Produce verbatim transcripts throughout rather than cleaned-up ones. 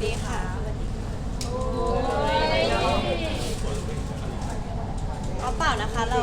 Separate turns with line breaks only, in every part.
ดีค่ะเอาเปล่านะคะเรา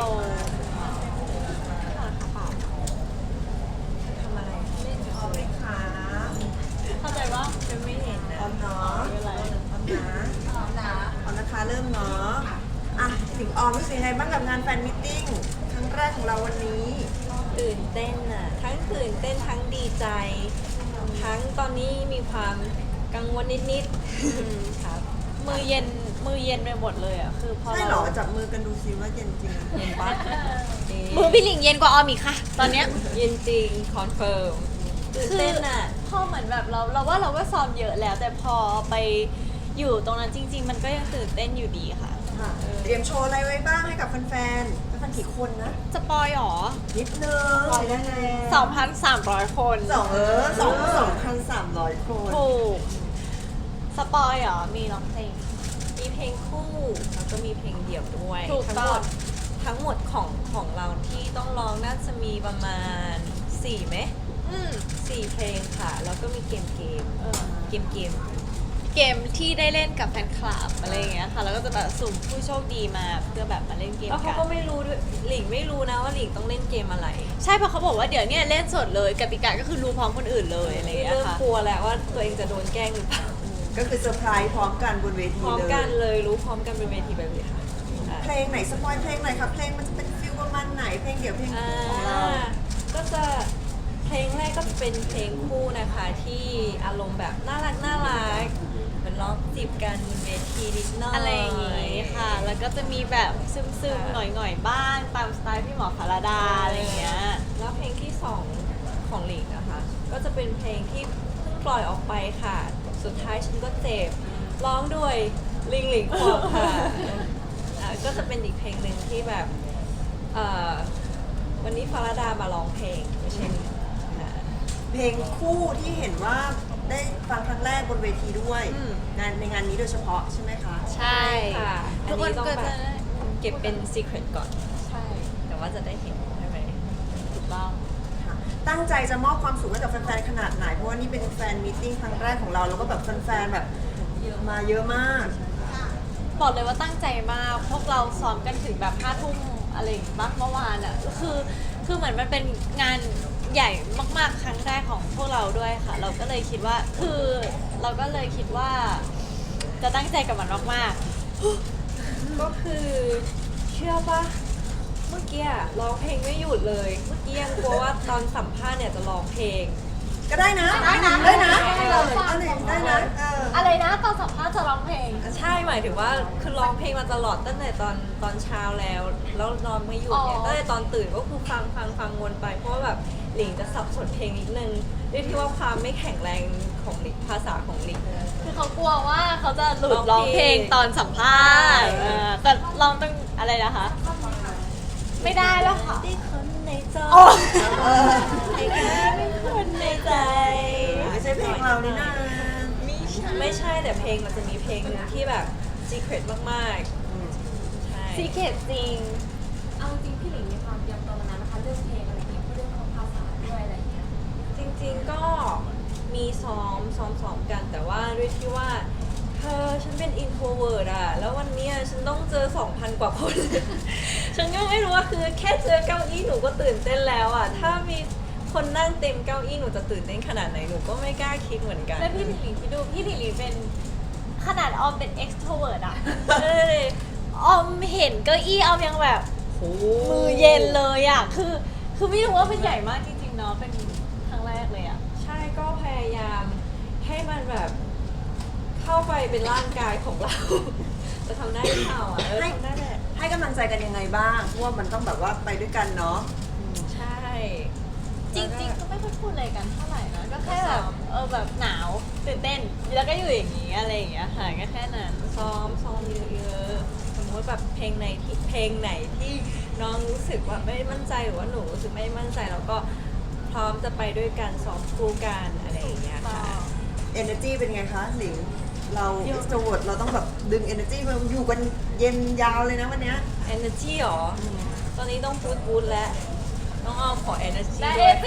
ทำอะไรเล่นกับเขาไหมคะ
เข้าใจว่า
จะไม่เห็นนะ
พร้อมเนาะ
ไม่เป็นไร
พร้อมนะพร้อมนะพร้อมนะคะเริ่มเนาะอ่ะถึงออมรู้สึกยังไงบ้างกับงานแฟนมิทติ้งครั้งแรกของเราวันนี้
ตื่นเต้นอ่ะทั้งตื่นเต้นทั้งดีใจ ทั้งตอนนี้มีความกังวลนิดๆครับ
มือเย็นมือเย็นไปหมดเลยอ่ะคือพอ
ใช่เหร
เรา
อจับมือกันดูซิว่าเย็นจริง
เห็นปะ
มือพี่หลิงเย็นกว่าออมอีกค่ะ ตอนเนี้ย
เย็นจริงคอนเฟิร์มตื่นเต้นอ่ะ
พอเหมือนแบบเราเราว่าเราก็ซ้อมเยอะแล้ว แต่พอไปอยู่ตรงนั้นจริง ๆ มันก็ยังตื่นเต้นอยู่ดีค่ะ
ค่ะเตรียมโชว์อะไรไว้บ้างให้กับแฟนๆแฟนๆกี่คนนะ
สปอยหรอ
นิดนึงปล่อยได้เลย
สองพันสามร้อยคน
สองเออสองสองพันสามร้อยคน
ถูกสปอยหรอ มีร้องเพลง
มีเพลงคู่แล้วก็มีเพลงเดี่ยวด้วย
ถูก
ทั้ง
ต้
ห
อ
ม
ง
ดทั้งหมดของของเราที่ต้องร้องน่าจะมีประมาณสี่ไหม
อืม
สี่เพลงค่ะ แล้วก็มีเกมเกม
เออ
เกมเกม
เกมที่ได้เล่นกับแฟนคลับอะไรอย่างเงี้ยค่ะ แล้วก็จะแบบสุ่มผู้โชคดีมาเพื่อแบบมาเล่นเกม
แล้วเขา
กัน
ก็ไม่รู้ด้วยหลิงไม่รู้นะว่าหลิงต้องเล่นเกมอะไร
ใช่เพราะเขาบอกว่าเดี๋ยวเนี้เล่นสดเลยกติกาก็คือรู้พร้อมคนอื่นเลยอะไรอย่างเงี้ย
เริ่ม
ค่ะ
กลัวแล้วว่าตัวเองจะโดนแกล้งหรือเปล่า
ก็คือเซอร์ไพรส์พร้อมกันบนเวที
พร้อม
เลย
กันเลยรู้พร้อมกันเป็นเวทีแบบนี้ค่ะอ่า
เพลงไหนสปอยเพลงไหนครับเพลงมันจะเป็นฟิลประมาณไหนเพลงเดี่ยวเพลงคู่ของเรา
ก็จะเพลงแรกก็เป็นเพลงคู่นะคะที่อารมณ์แบบน่ารักน่ารักเหมือนร้องจีบกันบนเวทีนิดหน่อย
อะไรอย่างงี้ค่ะ แล้วก็จะมีแบบซึมๆหน่อยๆบ้างตามสไตล์พี่หมอพาราดาอะไรอย่างเงี้ย
แล้วเพลงที่สองของหลิงนะคะ ก็จะเป็นเพลงที่เพิ่งปล่อยออกไปค่ะ สุดท้ายฉันก็เจ็บร้องด้วยลิงหลิงควงค่ะอ่าก็จะเป็นอีกเพลงหนึ่งที่แบบเอ่อวันนี้ฟาราดามาร้องเพลงไม่ใช่หลิงค่ะ
เพลงคู่ที่เห็นว่าได้ฟังครั้งแรกบนเวทีด้วย
อืม
งานในงานนี้โดยเฉพาะใช่ไหมคะ
ใช่
ค่ะอั
ทุ
น
กค
นี้
น
ต้อง
ก็
แบ
จะ
บเก็บเป็นซีเครตก่อน
ใช่
แต่ว่าจะได้เห็นใช่ไหม
ถูกต้อง
ค่ะตั้งใจจะมอบความสุขให้กับแฟนๆขนาดไหน เพราะว่านี่เป็นแฟนมีตติ้งครั้งแรกของเรา แล้วก็แบบแฟนๆแบบมาเยอะมาก
บอกเลยว่าตั้งใจมาก พวกเราซ้อมกันถึงแบบห้าทุ่มอะไรอย่างงี้บ้างเมื่อวานอ่ะ คือ คือเหมือนมันเป็นงานใหญ่มากๆ ครั้งแรกของพวกเราด้วยค่ะ เราก็เลยคิดว่า คือเราก็เลยคิดว่า จะตั้งใจกับมันมาก
ก็คือเชื่อปะเมื่อกี้อะร้องเพลงไม่หยุดเลย เมื่อกี้ยังกลัวว่าตอนสัมภาษณ์เนี่ยจะร้องเพลง
ก็ได้นะ
ได้นะ
ได้นะ
ได้
เอ
นะ
อเอาเลยได้นะเออ
ๆ อะไรนะตอนสัมภาษณ์จะร้องเพลง
ใช่หมายถึงว่าคือร้องเพลงมาตลอดตั้งแต่ตอนตอนเช้าแล้ว แล้วนอนไม่หยุดเนี่ย
อ๋อ
ตั้งแต่ตอนตื่นก็คือฟังฟังฟังวนไป เพราะว่าแบบหลิงจะสับสนเพลงนิดนึงด้วยที่ว่าความไม่แข็งแรงของหลิงภาษาของหลิง
คือเขากลัวว่าเขาจะหลุด
ร้
ร้
อ
อง ง
เพ
เพ
ล
ล
ง
งตอนสัมภาษณ์
ใช่
เออแต่ลองต้องอะไรนะคะ ไม่ได้แล้วค่ะ
ได้คนในจอ
โอ้
เออ
ให้แค่เป็นคนในใจ
ไม่ใช่เพลงเรานี่นะ
ไม่ใช่แต่เพลงมันจะมีเพลงหนึงที่แบบ secret มาก
อืม
ๆ ใช่
ซีเคทจริง
เอาจริงพี่หลิงมีความเตรียมตัวมานานนะคะเรื่องเพลงอะไรอย่างเงี้ยเรื่องของภาษาด้วยอะไรอย่างเงี้ย
จริงๆก็มีซ้อมซ้อมซ้อมกัน แต่ว่าด้วยที่ว่าเธอฉันเป็น introvert อะแล้ววันเนี้ยฉันต้องเจอ สองพัน กว่าคน ฉันก็ไม่รู้ว่าคือแค่เจอเก้าอี้หนูก็ตื่นเต้นแล้วอะถ้ามีคนนั่งเต็มเก้าอี้หนูจะตื่นเต้นขนาดไหนหนูก็ไม่กล้าคิดเหมือนกัน
แล้วพี่หลิงหลิงคิดดูพี่หลิงหลิงเป็นขนาดออมเป็น extrovert อะ
เอ้ย
ออมเห็นเก้าอี้ออมยังแบบ
โอ้
มือเย็นเลยอะคือ คือไม่รู้ว่ามันใหญ่มากจริงๆเนาะ เป็นครั้งแรกเลยอะ
ใช่ก็พยายามให้มันแบบเข้าไปเป็นร่างกายของเรา จะทำได้หรือเปล่าอ่ะเออ
ให้
ทำได้แหละ
ให้กำลังใจกันยังไงบ้างเพราะว่ามันต้องแบบว่าไปด้วยกันเนาะ
ใช่
จริงๆ ก็ไม่ค่อยพูดอะไรกันเท่าไหร่นะ ก็แค่แบบเออแบบหนาวตื่นเต้น แล้วก็อยู่อย่างนี้อะไรอย่างเงี้ยค่ะก็แค่นั้น
ซ้อมซ้อมเยอะๆสมมติแบบเพลงไหนที่เพลงไหนที่น้องรู้สึกว่าไม่มั่นใจหรือว่าหนูรู้สึกไม่มั่นใจแล้วก็พร้อมจะไปด้วยกันซ้อมคู่กันอะไรอย่างเงี้ยค่ะ
energy เป็นไงคะหลิงเรา
เยอะ
extrovert เราต้องแบบดึง energy มาอยู่กันเย็นยาวเลยนะวันเนี้ย
energy หรอ ตอนนี้ต้องพูดพูดแล้วน้องอ้อมขอ energy
แต่
ด้
เอ
วย
ซี่นะสิ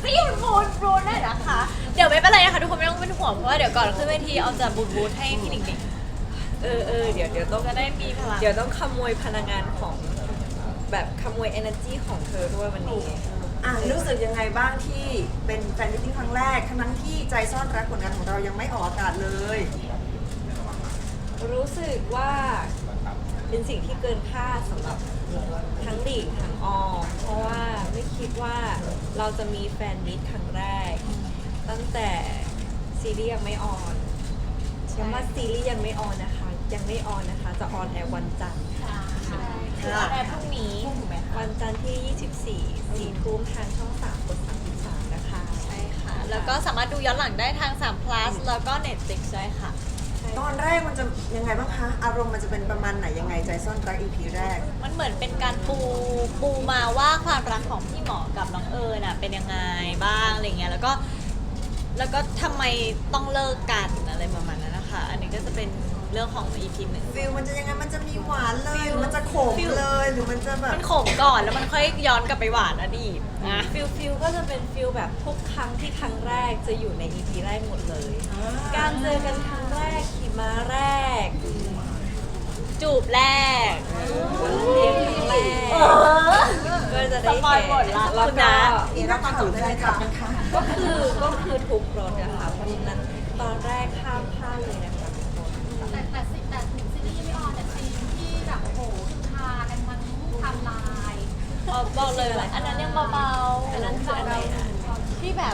พี่บูดบูดได้นะคะ เดี๋ยวไม่เป็นไรนะคะทุกคนไม่ต้องเป็นห่วงเพราะว่าเดี๋ยวก่อนขึ้นเวทีเอาจะบูดบูดให้พี่หนิงหนิง
เออเออเดี๋ยวเดี๋ยวต้อง
จะได้มีพลัง
เดี๋ยวต้องขโมยพลังงานของแบบขโมย energy ของเธอด้วยวันนี้
อ่ะรู้สึกยังไงบ้างที่เป็นแฟนมิตติ้งครั้งแรกทั้งที่ใจซ่อนรักผลงานของเรายังไม่ออกอากาศเลย
รู้สึกว่าเป็นสิ่งที่เกินคาดสำหรับทั้งหลีกทั้งออมเพราะว่าไม่คิดว่าเราจะมีแฟนมิตครั้งแรก ตั้งแต่ซีรีส์ยังไม่ออนย้ำว่าซีรีส์ยังไม่ออนนะคะ ยังไม่ออนนะคะ จะออนแอร์วันจันทร์
ใช่คือออนแอร์พรุ่งนี้ถูกไหมคะ
วันจันทร์ที่ ยี่สิบสี่ สี่ทุ่มทางช่องสามกดสามสิบสามนะคะ
ใช่ค่ะ แล้วก็สามารถดูย้อนหลังได้ทางสาม plus แล้วก็ Netflix ด้วยค่ะ
ตอนแรกมันจะยังไงบ้างคะ อารมณ์มันจะเป็นประมาณไหนยังไงใจซ่อนรัก อี พี แรก
มันเหมือนเป็นการปูปูมาว่าความรักของพี่หมอกับน้องเอิญน่ะเป็นยังไงบ้างอะไรเงี้ยแล้วก็แล้วก็ทำไมต้องเลิกกันอะไรประมาณนั้นนะคะ อันนี้ก็จะเป็นเรื่องของ อี พี หนึ่ง
ฟิลมันจะยังไงมันจะมีหวานเลยหรือมันจะขม
ฟิล
เลยหรือมันจะแบบ
มันขมก่อนแล้วมันค่อยย้อนกลับไปหวานอดีตนะ
ฟิลฟิลก็จะเป็นฟิลแบบทุกครั้งที่ครั้งแรกจะอยู่ใน อี พี แรกหมดเลย การเจอกันครั้งแรกขี่ม้าแรก
จูบแรก
เลี้ยงครั้งแรกก็จะได้
สปอย
เห็น
หมดละ
แล้ว
คุณ
ก็
นะ
นี่นักข่าวได้เลยค่ะนะคะ
ก็คือก็คือทุกรถนะคะเพราะฉะนั้นตอนแรกข้ามพลาดเลยนะคะทุกคน
แต่แต่ซีแต่ซีรีส์ยังไม่ออนแต่ซีนที่แบบโอ้โหคือพากันทั้งไทำลาย
เอาบอกเลยว่าอันนั้นยังเบาๆ
อันนั้นคืออะไรนะ
ที่แบบ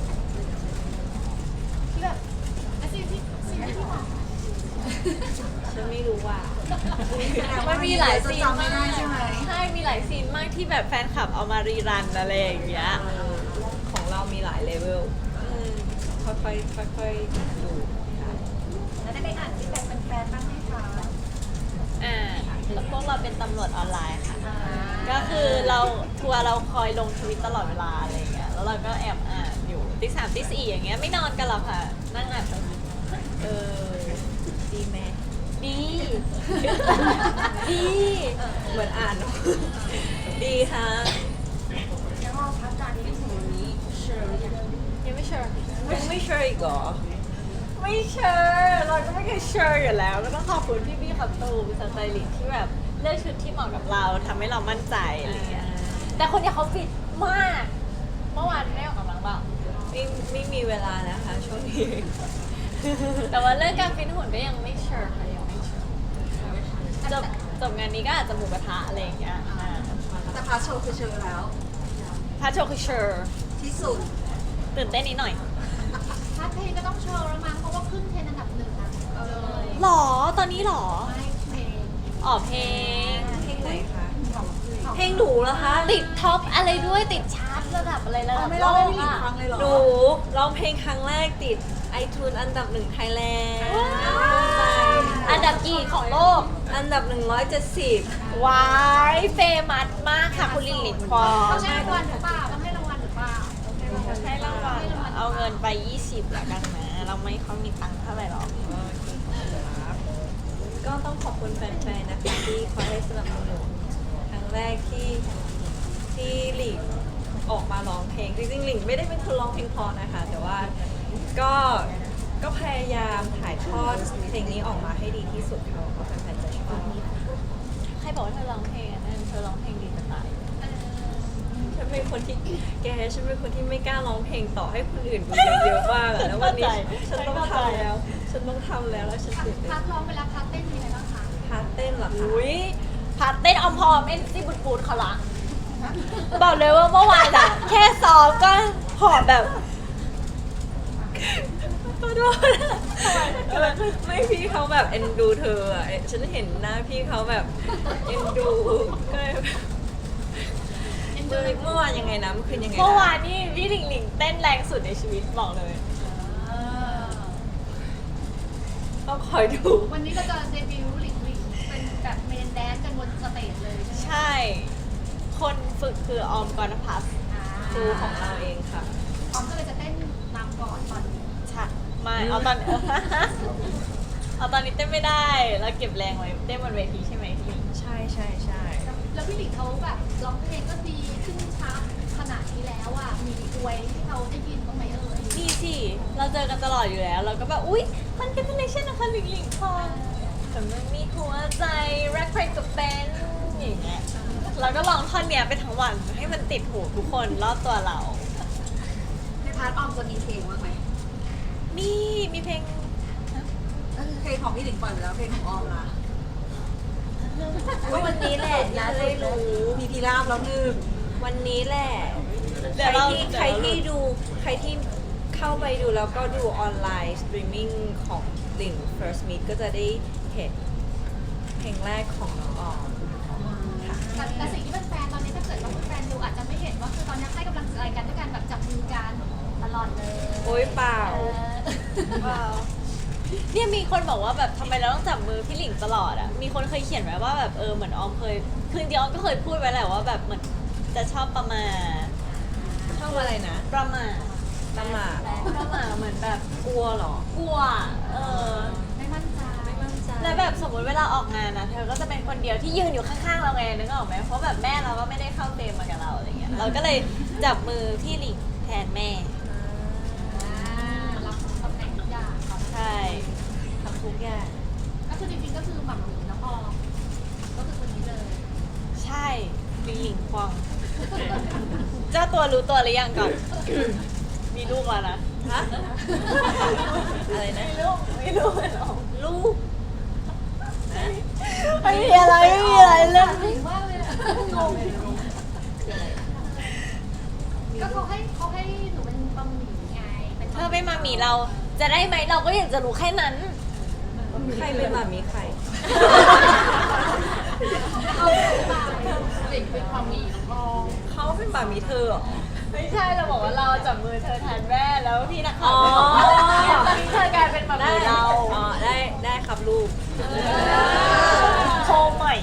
ที่แบบ
และซีนที่ซีนที่พี่บอก
ฉันไม่รู้ว่า
มันมีหลายซีน
จำไม่
มาก
ได้ใช่ไหม
ใช่มีหลายซีนมากที่แบบแฟนคลับเอามารีรันอะไรอย่างเงี้ย
ของเรามีหลายเลเวล
อืม
ค่อยๆค่อยๆดูค่ะ
แล้วได้ไปอ่านฟีดแบ็กแฟนๆบ้างไหมคะ
อ่าแล้วพวกเราเป็นตำรวจออนไลน์ค่ะ
อ่า
ก็คือเราทัวร์เราคอยลงทวิตตลอดเวลาอะไรอย่างเงี้ย แล้วเราก็แอบอ่านอยู่ตีสามตีสี่อย่างเงี้ยไม่นอนกันหรอกค่ะ นั่งอ่านทวิตเออ
ดีไหม
ดี ดี
เหมือนอ่านเนอะดีค่ะ
แล้วก็พักการที่ถึงวันนี้เชิญอย่าง
ยังไม่เชื่อ
ยังไม่เชื่ออีกเหรอ
ไม่เชื่อเราก็ไม่เคยเชื่ออยู่แล้ว ก็ต้องขอบคุณพี่พี่ๆขับตูมสไตลิสต์ที่แบบเลือกชุดที่เหมาะกับเราทำให้เรามั่นใจอะไรอย่างเงี้ย แต่คนเนี้ยเขาฟิตมาก เมื่อวานได้ออกกำลังเปล่า
ไม่ไม่มีเวลานะคะช่วงนี้
แต่ว่าเรื่องการฟิตหุ่นก็ยังไม่เชื่อค่ะยังไม่เชื่อจบจบงานนี้ก็อาจจะหมูกระทะอะไรอย่างเงี้ยอ่า
แต่พาร์ทโชว์คือเชิญแล้ว
พาโชว์คือเชื่อ
ที่สุด
ตื่นเต้นนิดหน่อย
ถ้าเพลงก็ต้องโชว์แล้วมั้งเพราะว่าขึ้นเทรนด์อันดับหนึ่งนะเอาเลย
หรอตอนนี้หรอ
ไม่เพลง
อ๋อเพลง
เพลงไหนคะ
ของ
เพลงหนูเหรอคะ
ติดท็อปอะไรด้วยติดชาร์ตระดับอะไรระดับ
ไม่
โล
ร้องให้
ก
พี่หลิง
อ่ะ
ฟังเลยเหรอ
หนูร้องเพลงครั้งแรกติดไอทูนอันดับหนึ่งไทยแลนด์
อันดับกี่ของโลก
อันดับหนึ่งร้อยเจ็ดสิบ
วายเฟมัสมากค่ะคุณลิงหลิงควอ
ต้องให้รางวัลหรือเปล่าต้องให้รางวัลหรือเปล่า
ให้รางวัลเอาเงินไป ยี่สิบแล้วกันนะ เราไม่ค่อยมีตังค์เท่าไหร่หรอก
ก็ต้องขอบคุณแฟนๆนะคะที่คอยให้สนับสนุนครั้งแรกที่ที่หลิงออกมาร้องเพลงจริงๆหลิงไม่ได้เป็นคนร้องเพลงเพอนะคะ แต่ว่าก็ก็พยายามถ่ายทอดเพลงนี้ออกมาให้ดีที่สุดค่ะว่าแฟนๆจะชอบ
ใครบอกว่าเธอร้องเพลงอ่ะนั่นเธอร้องเพลงดีจะตาย
ฉันเป็นคนที่แกฉันเป็นคนที่ไม่กล้าร้องเพลงต่อให้คนอื่นดูเยอะๆมากอะแล้ววันนี้ฉันต้องทำแล้ว ฉันต้องทำแล้วแล้วฉันตื่นเต้
พาน ร์ทร้องไปแล้วพาร์ทเต้นมีอะไรบ้างคะ
พาร์ทเต้นเหรอคะ
อุ้ยพาร์ทเต้นออมพอมเอ็นซี่บูดบูดเขาละบอกเลยว่าเมื่อวานอะแค่ซ้อมก็หอบแบบ
ขอโทษไม่พี่เขาแบบเอ็นดูเธออะฉันเห็นหน้าพี่เขาแบบเอ็นดูก็เลยแบบเมื่อเมื่อวานยังไงนะเมื่อคืนยังไงนะ
เมื่อวานนี่พี่หลิงหลิงเต้นแรงสุดในชีวิตบอกเลย
ต้องคอยดู
วันนี้เราจะเดบิวต์หลิงหลิงเป็นแบบเมนแดนซ์กันบนสเตจเลยใช่ไหม
ใช่ คนฝึกคือออมกรณพัฒน์
ครูของเราเองค่ะ
ออมก็เลยจะเต้นนำก่อนตอนนี้
ใช่ไม่เอาตอน เอาตอนนี้เต้นไม่ได้ แล้วเก็บแรงไว้เต้นบนเวทีใช่ไหมพี่หลิง
ใช่ใช่ใช่
แล้วพี่หลิงเขาแบบร้องเพลงก็ดีขึ้นชาร์ตขนาดนี้แล้วอ่ะมีอวยที่เขาได้ยินบ้างไหมเอ่ย
นี่สิเราเจอกันตลอดอยู่แล้ว เราก็แบบอุ๊ยมันเป็นคอนเนคชั่นนะคะหลิงหลิงพองแต่มันมีหัวใจรักใครกับแฟนอย่างเงี้ยเราก็ลองท่อนเนี้ยไปทั้งวันให้มันติดหูทุกคนรอบตัวเรา
ในพาร์ทออมจะมีเพลงบ้างไหม
นี่มีเพลง
ก็คือเพลงของพี่หลิงปล่อยไปแล้วเพลงของออมล่ะ
ก็วันนี้แหละที่จะได้รู้
มีพีราบแล้วหนึ่ง
วันนี้แหละ
เดี๋
ใค
ยว
ร
เรา
ที่
เดี๋ยวเรา
ใครที่ดูใครที่เข้าไปดูแล้วก็ดูออนไลน์สตรีมมิ่งของหลิง First Meet ก็จะได้เห็นเพลงแรกของน้องออมค่ะ
แต่แต่สิ่งที่เป็นแฟนตอนนี้ถ้าเกิดว่าเป็นแฟนดูอาจจะไม่เห็นว่าคือตอนนี้ให้กำลังใจกันด้วยการแบบจับมือกันตลอดเลย
โอ๊ยเปล่า
เออ
ว้าวเนี่ยมีคนบอกว่าแบบทำไมเราต้องจับมือพี่หลิงตลอดอ่ะมีคนเคยเขียนไว้ว่าแบบเออเหมือนออมเคยคือจริงๆออมก็เคยพูดไว้แหละว่าแบบเหมือนจะชอบประมาท
ชอบอะไรนะ
ประมาท
ตำหมา
ประมาทเหมือนแบบ
กลัวเหรอ
กลัวเออ
ไม่มั่นใจ
ไม่มั่นใจ
แล้วแบบสมมติเวลาออกงานนะเธอก็จะเป็นคนเดียวที่ยืนอยู่ข้างๆเราไงนึกออกไหมเพราะแบบแม่เราก็ไม่ได้เข้าเฟรมมากับเราอะไรเงี้ยเราก็เลยจับมือพี่หลิงแทนแม่
อ่ารับตำแหน่งทุกอย่างก่อน
ใช่
ทำทุกอย่าง
ก็คือจริงๆก็คือหม่ำหมีน้องออมก็คือคนนี้เลย
ใช่พี่หลิงควงเจ้าตัวรู้ตัวหรือยังก่อน มีลูกแล้วนะ
ฮะ อะไรนะ
มีลูกมีลูกแล้ว
ลูกนะ
ไม่มีอะไรไม่มีอะไรเรื่อง
ถึงว่าเลยอะงงก็เขาให้เขาให้หนูเป็นบะหมี่ไงเป็น
เธอไม่มามีเราจะได้ไหมเราก็อยากจะรู้แค่นั้น
ใครเป็นหมามีใคร
เอาไปเด็กเป็นบะหมี่น้องออม
เขาเป็นหมามีเธอเหรอ
ไม่ใช่เราบอกว่าเราจับมือเธอแทนแม่แล้วพี่นักข่าว
อ๋อ
อยากให้เธอกลายเป็นแบบ
ได้
เรา
อ๋อได้ได้ครับลูก
โคใหม่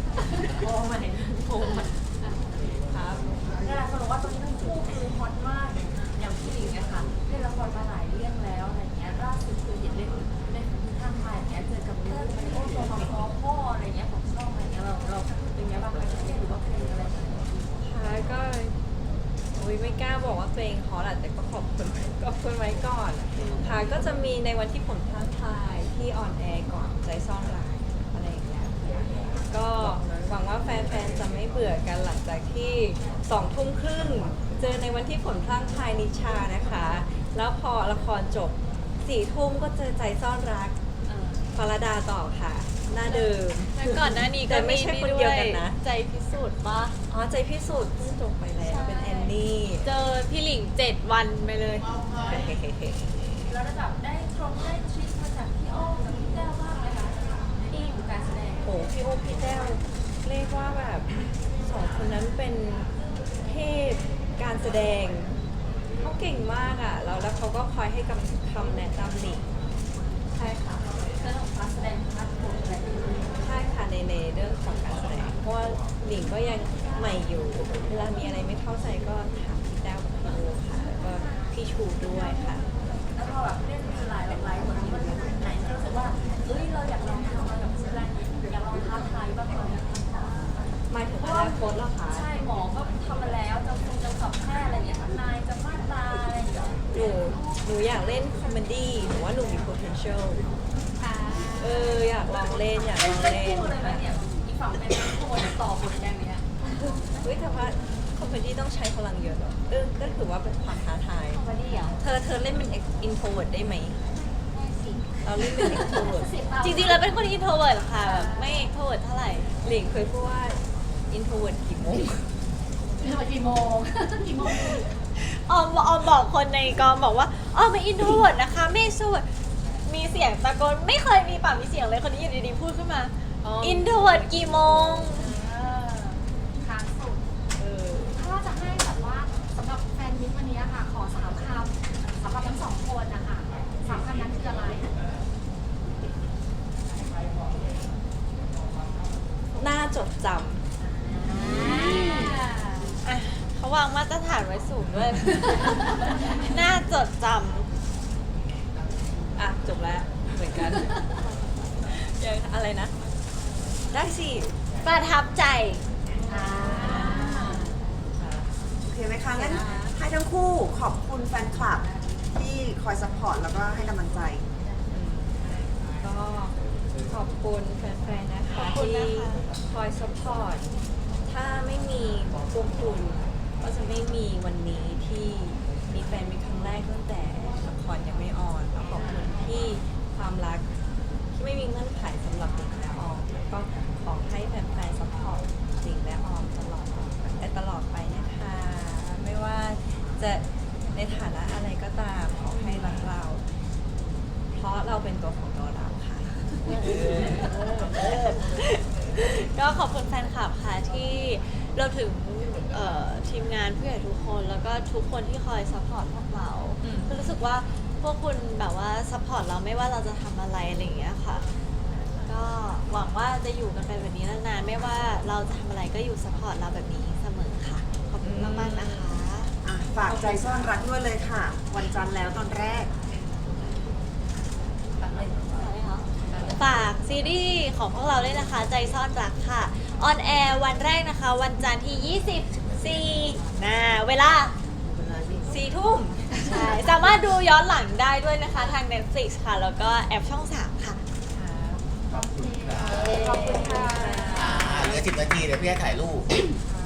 ครับ
นี่แหละเขาบอกว่าตอนนี้ทั้งคู่คือฮอตมากอย่างพี่หลิงเนี่ยค่ะเล่นละครมาหลายเรื่องแล้วอะไรเงี้ยล่าสุดคือเห็นเล่นเล่นทางไทยอย่างเงี้ยเจอกับเรื่องมันโอ้ตัวมาพอพ่ออะไรเงี้ยของช่องอะไรเงี้ยเราเราเป็นไงบ้างคะเครียดหรือว่าเพลงอะไรแบบนี้
ค่ะก็อุ้ยไม่กล้าบอกว่าตัวเองฮอตอะแต่ก็ขอบคุณขอบคุณไว้ก่อนค่ะก็จะมีในวันที่ผมท้าทายที่ออนแอร์ก่อนใจซ่อนรักอะไรอย่างเงี้ยก็หวังว่าแฟนๆจะไม่เบื่อกันหลังจากที่สองทุ่มครึ่งเจอในวันที่ผลพลางทายนิชานะคะ แล้วพอละครจบสี่ทุ่มก็เจอใจซ่อนรักพรดาต่อค่ะ หน้าเดิม
แล้วก่อนหน้านี้ก็
แต่ไม่ใช่คนเดียวกันนะ
ใจพิสูจน์ปะ
อ๋อใจพิสูจน์เพิ่งจบไปแล้วเป็นแอนนี่
เจอพี่หลิงเจ็ดวันไปเลย
แล้วได้แบบได้ตรงได้ทริคมาจากพี่อ้อมกับพี่แก้วบ้างไหมคะที่อยู่การแสดง
โอ้พี่โอ้พี่แต้วเรียกว่าแบบสองคนนั้นเป็นเทพการแสดงเขาเก่งมากอ่ะแล้วแล้วเขาก็คอยให้คำคำแนะนำหนิงใช่ค่ะ
เรื่องของการแสดงพาร์ทโผล่อะไรอย่างเงี้ย
ใช่ค่ะในในเรื่องของการแสดงเพราะว่าหนิงก็ยังใหม่อยู่ เวลามีอะไรไม่เข้าใจก็ถามพี่แต้วกับพี่โอค่ะแล้วก็พี่ชูด้วยค่ะ
แล้วพอแบบเล่นหลายหลายๆบทนี้มันมีไหนที่รู้สึกว่าเอ้ยเราอยากลองทำอะไรแบบแสดงอยากลองท้าทายบ้างเลย
หมายถึงอนาคตเหรอคะ
ใช่หมอก็ทำมาแล้วจะคงจะสอบแพทย์อะไรอย่างเงี้ยทนายจะมาตราอะไรอย่างเงี้ย
หนูหนูอยากเล่นคอมเมดี้หนูว่าหนูมี potential
อ่า
เอออยากลองเล่นอยากล
เล่น
อง
เล่น
เล่น
คู่เลยไหม
ค่ะ
เนี่ยอีกฝั่งเป็นคู่ต่อบทอย่างเนี้ย
เฮ้ยแต่ว่าคอมเมดี้ต้องใช้พลังเยอะเหรอเออก็ถือว่าเป็นความท้าทาย
คอมเมดี้เหรอ
เธอเธอเล่นเป็น introvert ได้ไหม
ได้สิ
เราเล่นเป็น extrovert
เสียเปล่า
จริงๆแล้วเป็นคนอินโทรเวิร์ดค่ะแบบไม่เอ็กโทรเวิร์ดเท่าไหร่
หลิงเคยพูดว่า introvert กี่โมง
เปิดกี่โมง กี่โมง
ออมออมบอกคนในกองบอกว่าออมเป็นอินโทรเวิร์ดนะคะไม่สูดมีเสียงตะโกนไม่เคยมีปากมีเสียงเลยคนนี้อยู่ดีๆพูดขึ้นมา
อ๋ออิ
อินโทรเวิร์ดกี่โมง
ค้างสุด
เออ
ถ้าว่าจะให้แบบว่าสำหรับแฟนมิตรวันนี้อะค่ะ ขอสามคำสำหรับทั้งสองคนนะคะสามคำนั้นคืออะไร
น่าจดจ
อ่ะเขาวางมาตรฐานไว้สูงด้วย น่าจดจ
ำอ่ะ จบแล้วเหมือนกัน ยังอะไรนะ ได้สิ
ำประทับใจ
โอเคไหมคะงั้นให้ทั้งคู่ขอบคุณแฟนคลับที่คอยซัพพอร์ตแล้วก็ให้กำลังใจ
ก็ขอบคุณแฟนๆ นะคะ
ขอบคุณ
ที่
นะคะ
คอยสปอร์ต ถ้าไม่มีพวกคุณก็จะไม่มีวันนี้ที่มีแฟนมีครั้งแรกตั้งแต่ละครยังไม่ออนแล้วขอบคุณที่ความรักที่ไม่มีเงื่อนไขสำหรับหลิงและออมแล้วก็ขอให้แฟนๆสปอร์ตหลิงและออมตลอดแต่ตลอดไปนะคะ ไม่ว่าจะในฐานะอะไรก็ตามขอให้รักเรา เพราะเราเป็นตัวของตัวเราค่ะ
ก็ขอบคุณแฟนคลับค่ะที่เราถึงเอ่อทีมงานผู้ใหญ่ทุกคนแล้วก็ทุกคนที่คอยซัพพอร์ตพวกเรา
อืม
คือรู้สึกว่าพวกคุณแบบว่าซัพพอร์ตเราไม่ว่าเราจะทำอะไรอะไรอย่างเงี้ยค่ะ ก็หวังว่าจะอยู่กันไปแบบนี้นานๆไม่ว่าเราจะทำอะไรก็อยู่ซัพพอร์ตเราแบบนี้เสมอค่ะ ขอบคุณมากๆนะคะ
อ่ะฝากใจซ่อนรักด้วยเลยค่ะ วันจันทร์แล้วตอนแรก
ฝากซีรีส์ของพวกเราด้วยนะคะ ใจซ่อนรักค่ะ ออนแอร์วันแรกนะคะ วันจันทร์ที่ ยี่สิบสี่นะเวลา
สี่ทุ่ม
ใช่ สามารถดูย้อนหลังได้ด้วยนะคะทาง Netflix ค่ะ แล้วก็แอปช่อง สาม ค่ะ
ขอบคุณค่ะ
อ่าเหลือสิบนาทีเดี๋ยวพี่ให้ถ่ายรูป